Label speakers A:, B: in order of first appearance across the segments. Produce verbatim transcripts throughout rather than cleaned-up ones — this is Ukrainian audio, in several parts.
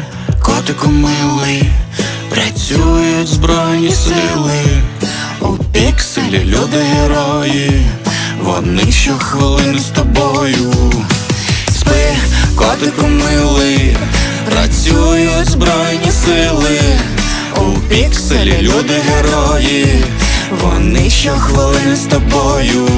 A: котику милий, працюють збройні сили. У пікселі люди герої, вони щохвилини з тобою. Спи, котику милий, працюють збройні сили. У пікселі люди герої, вони щохвилини з тобою.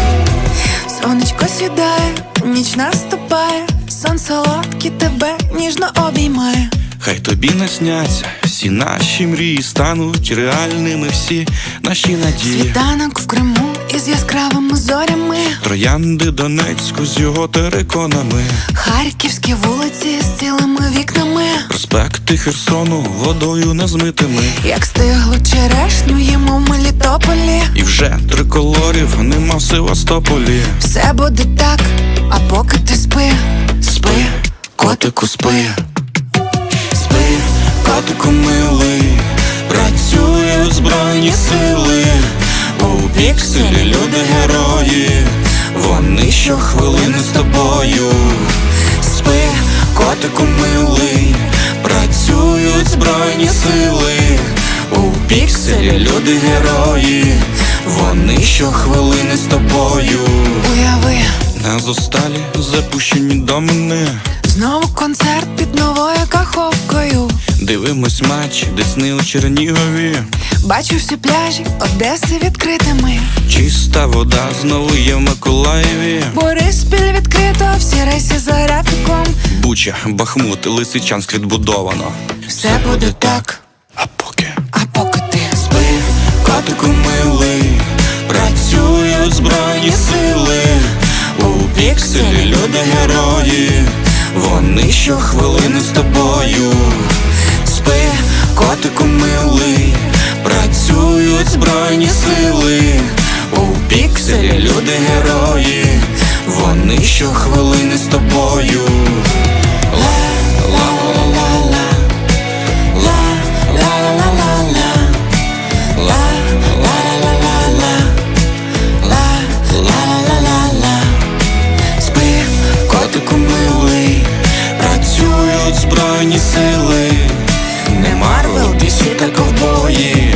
B: Сонечко сідає, ніч наступає, сон солодкий тебе ніжно обіймає.
A: Хай тобі насняться всі наші мрії, стануть реальними всі наші надії.
B: Світанок в Криму із яскравими зорями,
A: Троянди Донецьку з його териконами,
B: харківські вулиці з цілими вікнами,
A: проспекти Херсону водою незмитими.
B: як стиглу черешню їмо в Мелітополі.
A: І вже триколорів нема в Севастополі.
B: Все буде так, а поки ти спи.
A: Спи, котику, спи. Спи, котику милий, працюють збройні сили. У пікселі люди герої, вони щохвилини з тобою. Спи, котику милий, працюють збройні сили. У пікселі люди герої, вони щохвилини з тобою.
B: Уяви,
A: На зосталі запущені домини,
B: знову концерт під новою каховкою.
A: дивимось матч Десни у Чернігові.
B: Бачу всі пляжі Одеси відкритими.
A: Чиста вода знову є в Миколаєві.
B: Бориспіль відкрито, всі рейси за графіком.
A: Буча, Бахмут, Лисичанськ відбудовано.
B: Все буде так,
A: А поки
B: а поки ти
A: спи, котику милий, працюють збройні сили. У пікселі люди герої, вони щохвилини з тобою. Спи, котику милий, працюють збройні сили. У пікселі люди герої, вони щохвилини з тобою. Спи, котику милий, працюють збройні сили. Не Марвел, Ді Сі та ковбої,